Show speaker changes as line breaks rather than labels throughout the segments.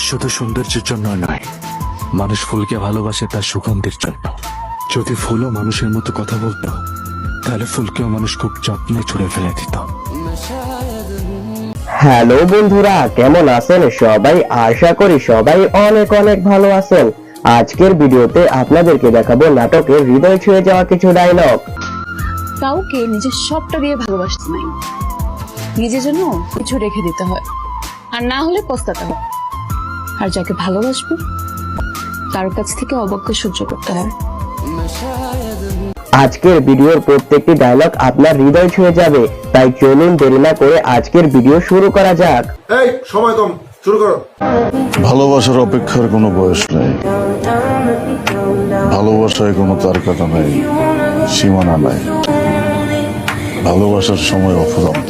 শুধু সৌন্দর্যের জন্য নয়, মানুষ ফুলকে ভালোবাসে তার সুগন্ধের জন্য। যদি ফুলও মানুষের মতো কথা বলতো, তাহলে ফুলকেও মানুষ খুব যত্নে ছুঁড়ে ফেলে দিত।
হ্যালো বন্ধুরা, কেমন আছেন সবাই? আশা করি সবাই অনেক অনেক ভালো আছেন। আজকের ভিডিওতে আপনাদেরকে দেখাবো নাটকের হৃদয় ছুঁয়ে যাওয়া কিছু ডায়লগ।
কাউকে নিজের সবটা দিয়ে ভালোবাসতে নাই, নিজের জন্য কিছু রেখে দিতে হয়, আর না হলে পস্তাতে হয়। আর যাকে ভালোবাসবো তার কাছ থেকে অবজ্ঞা সহ্য করতে হয়।
আজকের ভিডিওর প্রত্যেকটি ডায়লগ আপনার হৃদয় ছুঁয়ে যাবে, তাই চলুন দেরি না করে আজকের ভিডিও শুরু করা যাক।
এই সময় কম, শুরু করো।
ভালোবাসার অপেক্ষার কোনো বয়স নেই, ভালোবাসায় কোনো তারকাটা নেই, সীমানা নাই, ভালোবাসার সময় অফুরন্ত।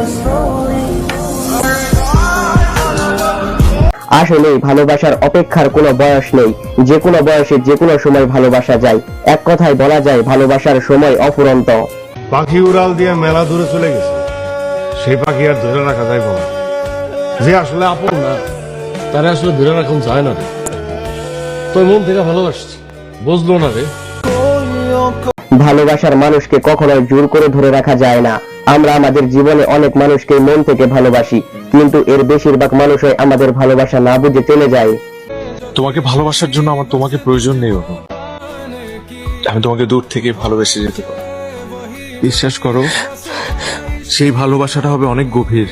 আসলে ভালোবাসার অপেক্ষার কোনো বয়স নেই, যে কোনো বয়সে যে কোনো সময় ভালোবাসা যায়। এক কথায় বলা যায় ভালোবাসার সময় অফুরন্ত।
পাখি উড়াল দিয়ে মেলা দূরে চলে গেছে, সেই পাখি আর ধরে রাখা যায় বলা, যে আসলে আপন না তারা আসলে ধরে রাখুন যায় না রে। তোর মন থেকে ভালোবাসছি, বুঝলো না রে।
ভালোবাসার মানুষকে কখনোই জোর করে ধরে রাখা যায় না। আমরা আমাদের জীবনে অনেক মানুষকে মন থেকে ভালোবাসি, কিন্তু এর বেশিরভাগ মানুষই আমাদের ভালোবাসা না বুঝে চলে যায়।
তোমাকে ভালোবাসার জন্য আমার তোমাকে প্রয়োজন নেই অনু। আমি তোমাকে দূর থেকে ভালোবেসে যেতে পারি। বিশ্বাস করো, সেই ভালোবাসাটা হবে অনেক গভীর।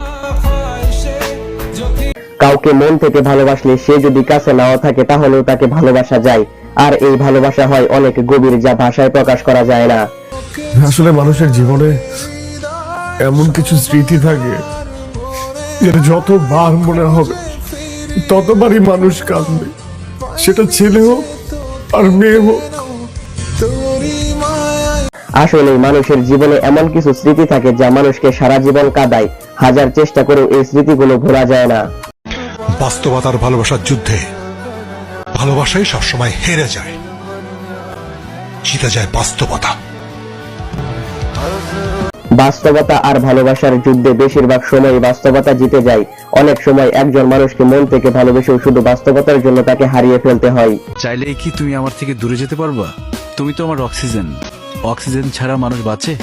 কাউকে মন থেকে ভালোবাসলে সে যদি কাছে নাও থাকে তাহলেও তাকে ভালোবাসা যায়, আর এই ভালোবাসা হয় অনেক গভীর, যা ভাষায় প্রকাশ করা যায় না।
আসলে মানুষের জীবনে এমন কিছু স্মৃতি থাকে যেটা যতবার মনে হবে ততবারই মানুষ কাঁদবে, সেটা ছেলে হোক আর মেয়ে হোক।
আসলে মানুষের জীবনে এমন কিছু স্মৃতি থাকে যা মানুষকে সারা জীবন কাঁদায়। হাজার চেষ্টা করেও এই স্মৃতিগুলো ভোলা যায় না।
বাস্তবতার ভালোবাসার যুদ্ধে ভালোবাসাই সবসময় হেরে যায়, জিতে যায় বাস্তবতা।
বাস্তবতা আর ভালোবাসার যুদ্ধে বেশিরভাগ সময় বাস্তবতা জিতে যায়। অনেক সময় একজন মানুষকে মন থেকে ভালোবেসেও শুধু বাস্তবতার জন্য তাকে হারিয়ে ফেলতে হয়।
চাইলেই কি তুমি আমার থেকে দূরে যেতে পারবা? তুমি তো আমার অক্সিজেন। অক্সিজেন ছাড়া মানুষ বাঁচে?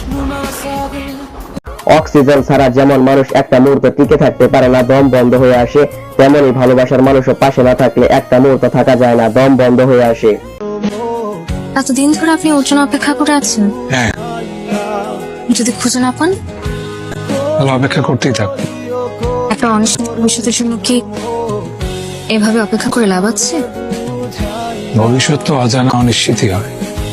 অক্সিজেন ছাড়া যেমন মানুষ একটা মুহূর্ত টিকে থাকতে পারে না, দম বন্ধ হয়ে আসে, তেমনি ভালোবাসার মানুষও পাশে না থাকলে একটা মুহূর্ত থাকা যায় না, দম বন্ধ হয়ে আসে।
এতদিন ধরে আপনি ওর জন্য অপেক্ষা করে আছেন?
হ্যাঁ,
যদি খুঁজে না পান
ভালো অপেক্ষা করতেই থাক।
একটা অনিশ্চিত ভবিষ্যতের জন্য কি এভাবে অপেক্ষা করে লাভ আছে?
ভবিষ্যৎ তো অজানা, অনিশ্চিতই হয়।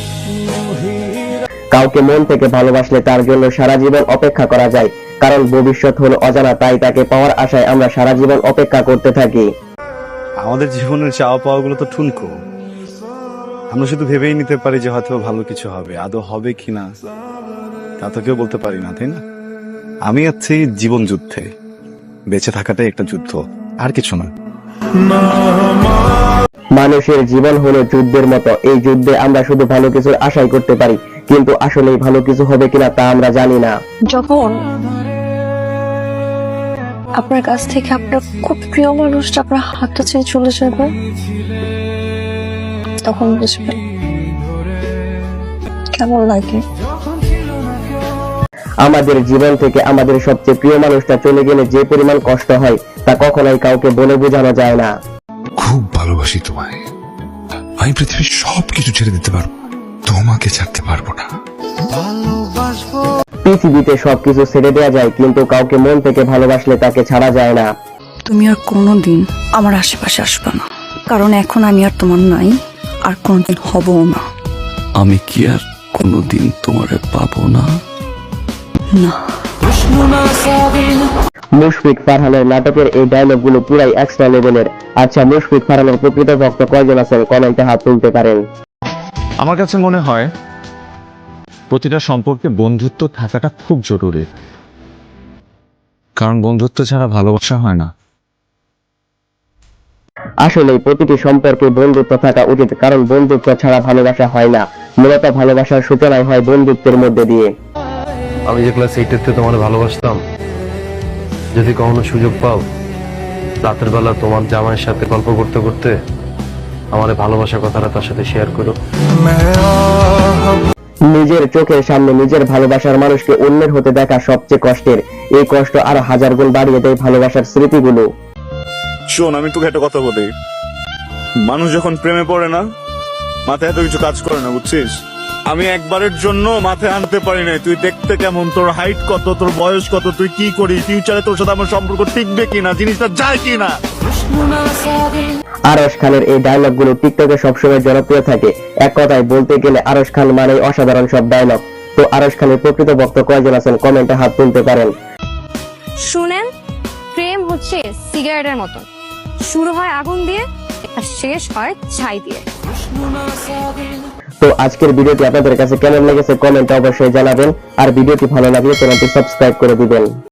কাউকে মন থেকে ভালোবাসলে তার জন্য সারা জীবন অপেক্ষা করা যায়, কারণ ভবিষ্যৎ হলো অজানা, তাই তাকে পাওয়ার আশায় আমরা সারা জীবন অপেক্ষা করতে থাকি।
আমাদের জীবনের চাওয়া পাওয়া গুলো তো ঠুনকো। আমরা শুধু ভেবেই নিতে পারি যে হয়তো ভালো কিছু হবে, আদৌ হবে কিনা তা তো কেউ বলতে পারি না, তাই না? আমি আছি জীবন যুদ্ধে, বেঁচে থাকাটাই একটা যুদ্ধ, আর কিছু না।
মানুষের জীবন হলো যুদ্ধের মতো। এই যুদ্ধে আমরা শুধু ভালো কিছুর আশাই করতে পারি, কিন্তু আসলেই ভালো কিছু হবে কিনা তা আমরা জানি না।
যখন আপনার কাছ থেকে আপনার খুব প্রিয় মানুষটা আপনার হাতটা ছেড়ে চলে যাবে, তখন বুঝবেন কেমন লাগে।
আমাদের জীবন থেকে আমাদের সবচেয়ে প্রিয় মানুষটা চলে গেলে যে পরিমাণ কষ্ট হয় তা কখনোই কাউকে বলে বোঝানো যায় না।
খুব ভালোবাসি তোমায়, আমি পৃথিবীর সবকিছু ছেড়ে দিতে পারবো, তোমাকে ছাড়তে পারবো না।
পৃথিবীতে সবকিছু ছেড়ে দেওয়া যায়, কিন্তু কাউকে মন থেকে ভালোবাসলে তাকে ছাড়া যায় না।
তুমি আর কোনোদিন আমার আশেপাশে আসবে না, কারণ এখন আমি আর তোমার নাই, আর কোনোদিন হবও না।
আমি কি আর কোনোদিন তোমারে পাবো না?
না।
মুশফিক ফারহানের নাটকের এই ডায়লগগুলো পুরাই এক্সট্রা লেভেলের। আচ্ছা, মুশফিক ফারহানের প্রকৃত ভক্ত কয়জন আছেন? কমেন্টে হাত তুলতে পারেন।
আমার কাছে মনে হয় প্রতিটা সম্পর্কে বন্ধুত্ব থাকাটা খুব জরুরি, কারণ বন্ধুত্ব ছাড়া ভালোবাসা হয় না।
আসলে প্রতিটি সম্পর্কে বন্ধুত্ব থাকা উচিত, কারণ বন্ধুত্ব ছাড়া ভালোবাসা হয় না। মূলত ভালোবাসার সূচনাই হয় বন্ধুত্বের মধ্যে দিয়ে।
আমি যে ক্লাস 8 তোমার ভালোবাসতাম, যদি কখনো সুযোগ পাও
রাতের বেলা তোমার জামাইয়ের সাথে গল্প করতে করতে আমার ভালোবাসার কথাটা তার সাথে শেয়ার করো। নিজের চোখের সামনে নিজের ভালোবাসার মানুষকে অন্যের হতে দেখা সবচেয়ে কষ্টের। এই কষ্ট আরো 1000 গুণ বাড়িয়ে দেয় ভালোবাসার স্মৃতিগুলো।
শোন, আমি তোকে একটা কথা বলি, মানুষ যখন প্রেমে পড়ে না, মাথায় এত কিছু কাজ করে না, বুঝছিস? আমি একবারের জন্য মাথায় আনতে পারি নাই তুই দেখতে কেমন, তোর হাইট কত, তোর বয়স কত, তুই কি করিস, ফিউচারে তোর সাথে আমার সম্পর্ক টিকবে কিনা, জিনিসটা যায় কিনা।
আরশ খানের এই ডায়লগ গুলো টিকটকে সবসময় জনপ্রিয় থাকে। এক কথায় বলতে গেলে আরশ খান মানে অসাধারণ সব ডায়লগ। তো আরশ খানের প্রকৃত ভক্ত কয়জন আছেন কমেন্টে হাত তুলতে পারেন।
শুনেন, প্রেম হচ্ছে সিগারেটের মতন, শুরু হয় আগুন দিয়ে আর শেষ হয় ছাই দিয়ে।
তো আজকের ভিডিওটি আপনাদের কাছে কেমন লেগেছে কমেন্টে অবশ্যই জানাবেন, আর ভিডিওটি ভালো লাগলে চ্যানেলটি সাবস্ক্রাইব করে দিবেন।